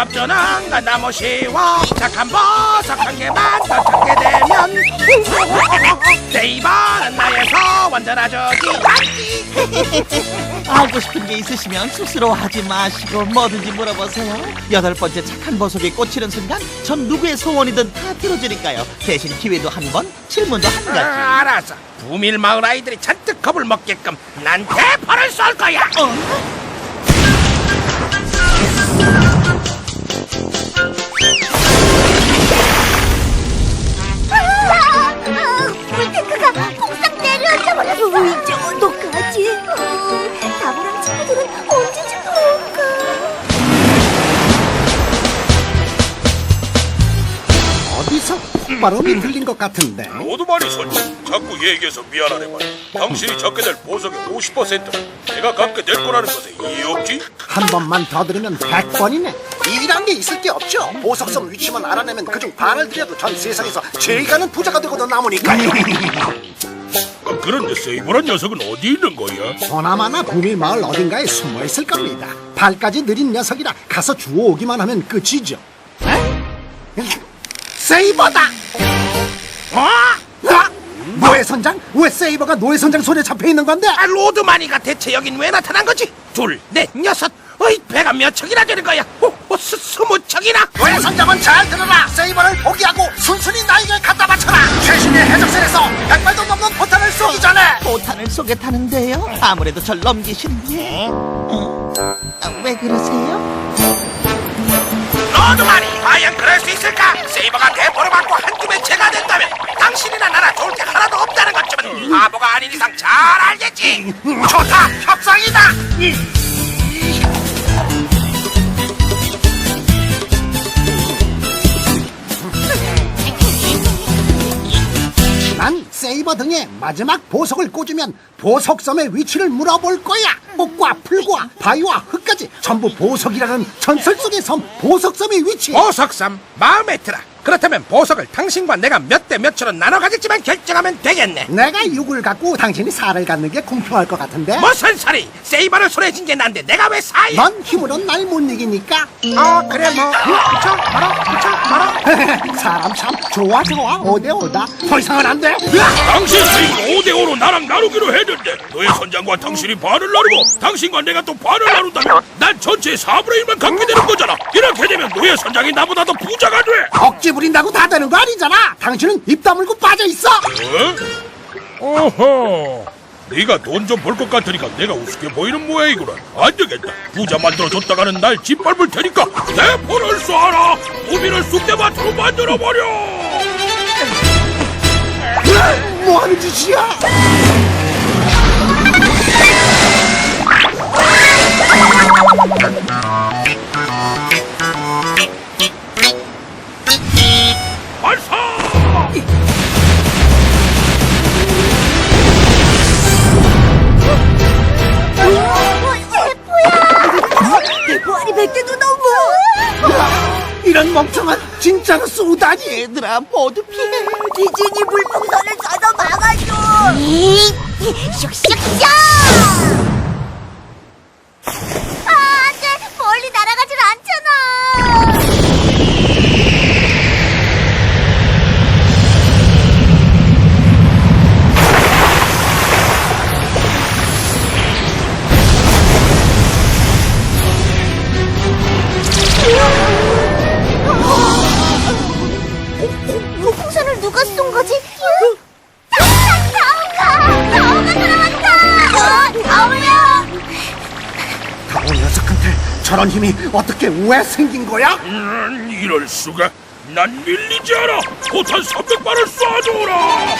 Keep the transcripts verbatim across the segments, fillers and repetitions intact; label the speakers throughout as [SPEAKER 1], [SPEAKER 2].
[SPEAKER 1] 값주는 건 너무 쉬워. 착한 버섯 한 개만 더 찾게 되면 세이버는 나의 소원 들어주기.
[SPEAKER 2] 알고 싶은 게 있으시면 스스로하지 마시고 뭐든지 물어보세요. 여덟 번째 착한 보석이 꽂히는 순간 전 누구의 소원이든 다 들어주니까요. 대신 기회도 한 번, 질문도 한 가지.
[SPEAKER 1] 아, 알았어. 부밀 마을 아이들이 잔뜩 겁을 먹게끔 난 대포를 쏠 거야.
[SPEAKER 2] 어?
[SPEAKER 3] 물탱크가 폭삭 내려앉아 버렸어. 이제 어떡하지? 어, 나무랑 친구들은 언제쯤 돌아올까?
[SPEAKER 4] 어디서 발음이 들린 것 같은데.
[SPEAKER 5] 모두 말이 솔직. 자꾸 얘기해서 미안하네만. 당신이 잡게 될 보석의 오십 퍼센트는 내가 갖게 될 거라는 것에 이해 없지?
[SPEAKER 4] 한 번만 더 들으면 백 번이네.
[SPEAKER 6] 이란 게 있을 게 없죠. 보석섬 위치만 알아내면 그중 반을 들여도 전 세상에서 제일 가는 부자가 되고도 남으니까요.
[SPEAKER 5] 아, 그런데 세이버란 녀석은 어디 있는 거야?
[SPEAKER 4] 보나마나 부밀 마을 어딘가에 숨어 있을 겁니다. 발까지 느린 녀석이라 가서 주워오기만 하면 끝이죠. 에? 세이버다!
[SPEAKER 1] 어?
[SPEAKER 4] 아! 노예선장? 왜 세이버가 노예선장 손에 잡혀 있는 건데?
[SPEAKER 1] 아, 로드마니가 대체 여긴 왜 나타난 거지? 둘, 넷, 여섯. 어이, 배가 몇 척이나 되는 거야? 오, 오, 스, 스무 척이나?
[SPEAKER 6] 왜 선장은 잘 들어라. 세이버를 포기하고 순순히 나에게 갖다 바쳐라. 최신의 해적선에서 백발도 넘는 포탄을 쏘기 전에.
[SPEAKER 2] 포탄을 쏘겠다는데요? 아무래도 절 넘기시는데. 어? 아, 왜 그러세요?
[SPEAKER 1] 로드마니, 과연 그럴 수 있을까? 세이버가 대포를 맞고 한 줌의 채가 된다면 당신이나 나나 좋을 게 하나도 없다는 것쯤은 바보가 아닌 이상 잘 알겠지. 좋다, 협상이다.
[SPEAKER 4] 난 세이버 등에 마지막 보석을 꽂으면 보석섬의 위치를 물어볼 거야. 꽃과 풀과 바위와 흙까지 전부 보석이라는 전설 속의 섬 보석섬의 위치.
[SPEAKER 1] 보석섬 마음에 들어. 그렇다면 보석을 당신과 내가 몇 대 몇으로 나눠 가질지만 결정하면 되겠네.
[SPEAKER 4] 내가 육을 갖고 당신이 살을 갖는 게 공평할 것 같은데?
[SPEAKER 1] 무슨 소리? 세이버를 손에 쥔 게 난데 내가 왜 사이?
[SPEAKER 4] 넌 힘으론 날 못 이기니까.
[SPEAKER 1] 어 그래 뭐 그쵸 말아 그쵸 말아.
[SPEAKER 4] 사람 참 좋아 좋아 오대오다. 더 이상은 안 돼.
[SPEAKER 5] 당신 세이버 오 대 오로 나랑 나누기로 했는데 너의 선장과 당신이 반을 나누고 당신과 내가 또 반을 나눈다면 난 전체의 사분의 일만 갖게 되는 거잖아. 이렇게 되면 너의 선장이 나보다 더 부자가 돼.
[SPEAKER 4] 억지 부린다고 다 되는 거 아니잖아. 당신은 입 다물고 빠져 있어.
[SPEAKER 5] 어? 어허, 네가 돈 좀 벌 것 같으니까 내가 우습게 보이는 모양이구나. 안 되겠다. 부자 만들어줬다가는 날 짓밟을 테니까 대포를 쏴라. 우비를 쑥대밭으로 만들어버려.
[SPEAKER 4] 뭐 하는 짓이야?
[SPEAKER 5] 발사!
[SPEAKER 3] 대포알이 백 대도 넘어.
[SPEAKER 4] 이런 멍청한 진짜로 쏘다니.
[SPEAKER 2] 얘들아 모두 피해.
[SPEAKER 3] 디즈니 물풍선을 쏴서 막아줘. 슉슉슉. 아, 안돼. 멀리 날아가질 않잖아. 물풍선을 누가 쏜 거지? 다오가! 다오가 돌아왔다! 어, 다오야!
[SPEAKER 4] 다오 녀석한테 저런 힘이 어떻게 왜 생긴 거야?
[SPEAKER 5] 음, 이럴 수가. 난 밀리지 않아. 포탄 삼백 발을 쏴줘라.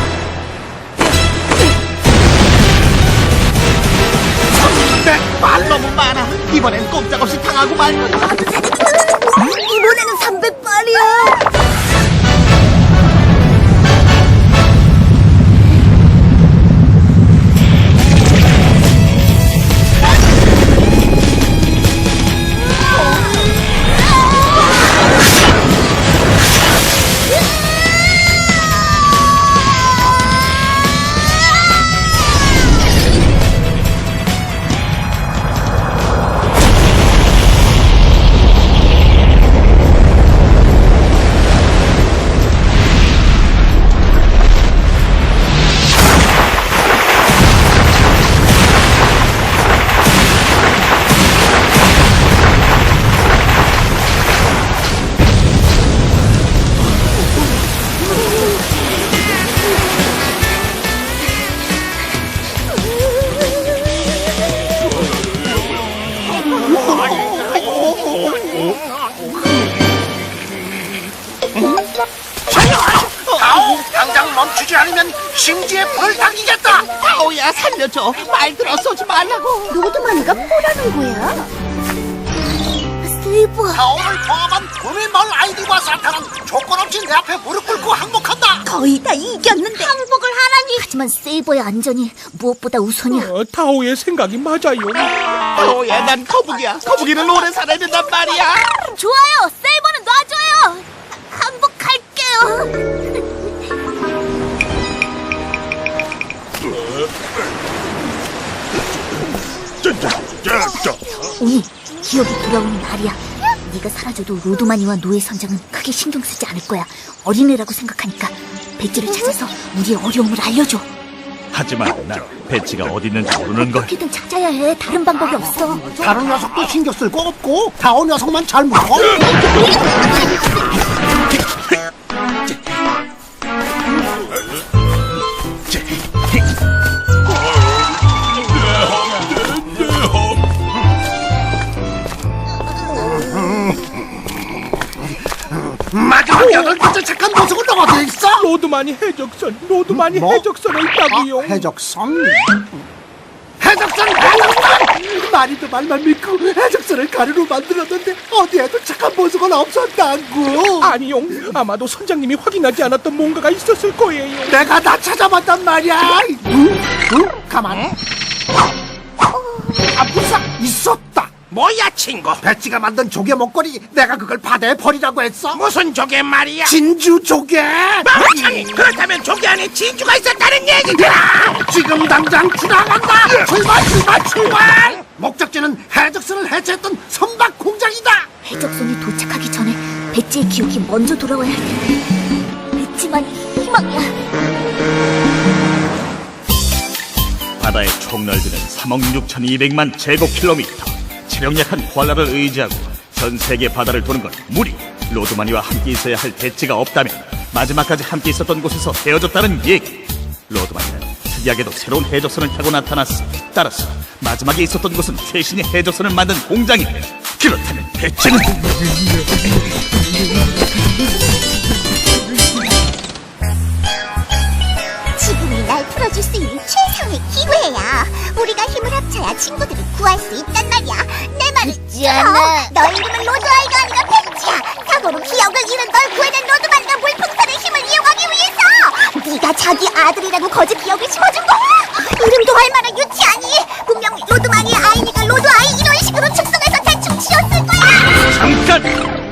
[SPEAKER 4] 말
[SPEAKER 2] 너무 많아. 이번엔 꼼짝없이 당하고 말 거다.
[SPEAKER 3] 이번에는 삼백 발이야.
[SPEAKER 6] 멈추지 않으면 심지에 불을 당기겠다.
[SPEAKER 2] 아오야 살려줘. 말 들어 쏘지 말라고.
[SPEAKER 3] 로드마니가 뭐라는 거야? 세이버,
[SPEAKER 6] 타오를 포함한 구미마을 아이들과 산타는 조건 없이 내 앞에 무릎 꿇고 항복한다.
[SPEAKER 3] 거의 다 이겼는데 항복을 하라니. 하지만 세이버의 안전이 무엇보다 우선이야.
[SPEAKER 5] 어, 타오의 생각이 맞아요.
[SPEAKER 2] 아오야 난 거북이야. 거북이는 오래 살아야 된단 말이야.
[SPEAKER 3] 좋아요, 세이버는 놔줘요. 항복할게요.
[SPEAKER 5] 짜짜짜짜.
[SPEAKER 3] 오니 기억이 돌아오는 날이야. 네가 사라져도 로드마니와 노예 선장은 크게 신경 쓰지 않을 거야. 어린애라고 생각하니까 배지를 찾아서 우리의 어려움을 알려줘.
[SPEAKER 7] 하지만 난 배치가 어디 있는지 모르는 걸.
[SPEAKER 3] 어떻게든 찾아야 해. 다른 방법이 없어.
[SPEAKER 4] 다른 녀석도 신경 쓸 거 없고 다오 녀석만 잘 물어.
[SPEAKER 6] 마지막 여덟 번째 착한 보석은 어디 있어?
[SPEAKER 5] 로드마니 해적선, 로드마니
[SPEAKER 4] 뭐?
[SPEAKER 5] 해적선에 있다고요.
[SPEAKER 4] 아, 해적선.
[SPEAKER 6] 해적선 해적선.
[SPEAKER 4] 말이도 말만 믿고 해적선을 가루로 만들었는데 어디에도 착한 보석은 없었다고.
[SPEAKER 5] 아니요, 아마도 선장님이 확인하지 않았던 뭔가가 있었을 거예요.
[SPEAKER 4] 내가 다 찾아봤단 말이야. 응? 응? 가만. 아, 무사 있었다.
[SPEAKER 1] 뭐야 친구?
[SPEAKER 4] 배치가 만든 조개 목걸이 내가 그걸 바다에 버리라고 했어.
[SPEAKER 1] 무슨 조개 말이야?
[SPEAKER 4] 진주 조개.
[SPEAKER 1] 멍청이! 그렇다면 조개 안에 진주가 있었다는 얘기잖아!
[SPEAKER 4] 지금 당장 지나간다. 출발 출발 출발. 목적지는 해적선을 해체했던 선박 공장이다.
[SPEAKER 3] 해적선이 도착하기 전에 배지의 기억이 먼저 돌아와야 할 텐데. 배지만 희망이야.
[SPEAKER 7] 바다의 총 넓이는 삼억 육천이백만 제곱킬로미터. 체력 약한 코알라를 의지하고 전 세계 바다를 도는 건 무리. 로드마니와 함께 있어야 할 배치가 없다면 마지막까지 함께 있었던 곳에서 헤어졌다는 얘기. 로드마니는 특이하게도 새로운 해적선을 타고 나타났어. 따라서 마지막에 있었던 곳은 최신의 해적선을 만든 공장이래. 그렇다면 배치는
[SPEAKER 3] 지금이 날 풀어줄 수 있는 최상의 기회야. 우리가 힘을 합쳐야 친구들을 구할 수 있단 말이야. 내 말을 들어. 너의 이름은 로드아이가 아니라 벤치야. 사고로 기억을 잃은 널 구해낸 로드만과 물풍선의 힘을 이용하기 위해서. 네가 자기 아들이라고 거짓 기억을 심어준 거야. 이름도 할 만한 유치하니. 분명히 로드만이 아이니까 로드아이 이런 식으로 축소해서 대충 지었을 거야.
[SPEAKER 7] 잠깐!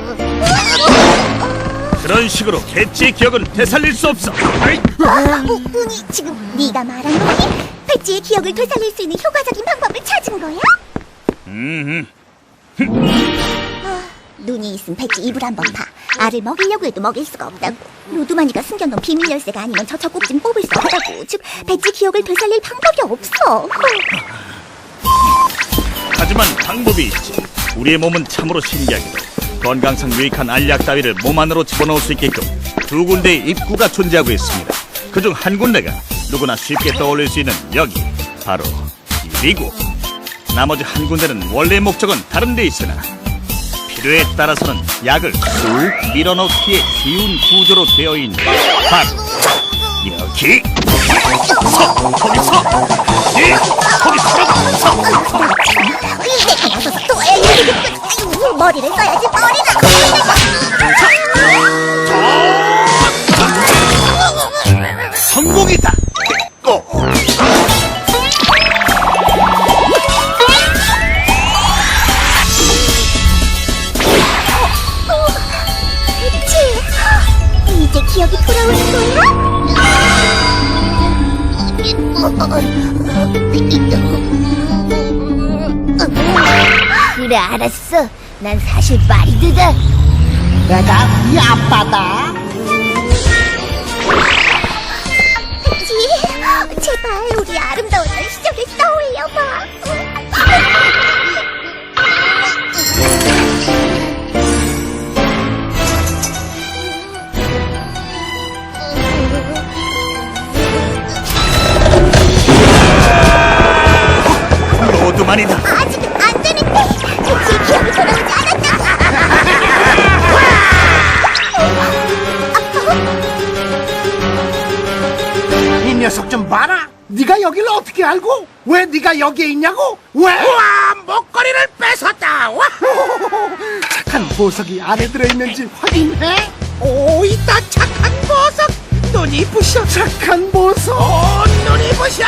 [SPEAKER 7] 그런 식으로 배치의 기억은 되살릴 수 없어.
[SPEAKER 3] 어, 은희, 지금 네가 말한 거니? 배지의 기억을 되살릴 수 있는 효과적인 방법을 찾은 거야?
[SPEAKER 7] 음,
[SPEAKER 3] 아, 눈이 있음 배지 입을 한번 봐. 알을 먹이려고 해도 먹일 수가 없다고. 로드마니가 숨겨놓은 비밀 열쇠가 아니면 저 젖꼭지는 뽑을 수 없다고. 즉, 배지 기억을 되살릴 방법이 없어.
[SPEAKER 7] 하지만 방법이 있지. 우리의 몸은 참으로 신기하게도 건강상 유익한 알약 따위를 몸 안으로 집어넣을 수 있게끔 두 군데의 입구가 존재하고 있습니다. 그중 한 군데가 누구나 쉽게 떠올릴 수 있는 여기, 바로 이리고, 나머지 한 군데는 원래 목적은 다른 데 있으나 필요에 따라서는 약을 쑥 밀어넣기에 쉬운 구조로 되어 있는 바로 여기 서! 거기 서! 예! 거기 서! 서!
[SPEAKER 3] 내가 나서서 도와야 해. 머리를 써야지, 머리를.
[SPEAKER 7] 성공이다!
[SPEAKER 3] 배지, 이제 기억이 돌아오는 거야? 그래, 알았어. 난 사실 마리드다.
[SPEAKER 4] 내가 네 아빠다.
[SPEAKER 3] 배지, 제발 우리 아름다운 날 시절을 떠올려봐.
[SPEAKER 7] 로드만이다.
[SPEAKER 3] 아직은 안 되는데. 배지의 기억이 돌아오지 않았다.
[SPEAKER 4] 알고? 왜 네가 여기에 있냐고? 왜?
[SPEAKER 1] 우와, 목걸이를 뺏었다. 와.
[SPEAKER 4] 착한 보석이 안에 들어있는지 확인해.
[SPEAKER 1] 오, 있다. 착한 보석. 눈이 부셔.
[SPEAKER 4] 착한 보석.
[SPEAKER 1] 오, 눈이 부셔.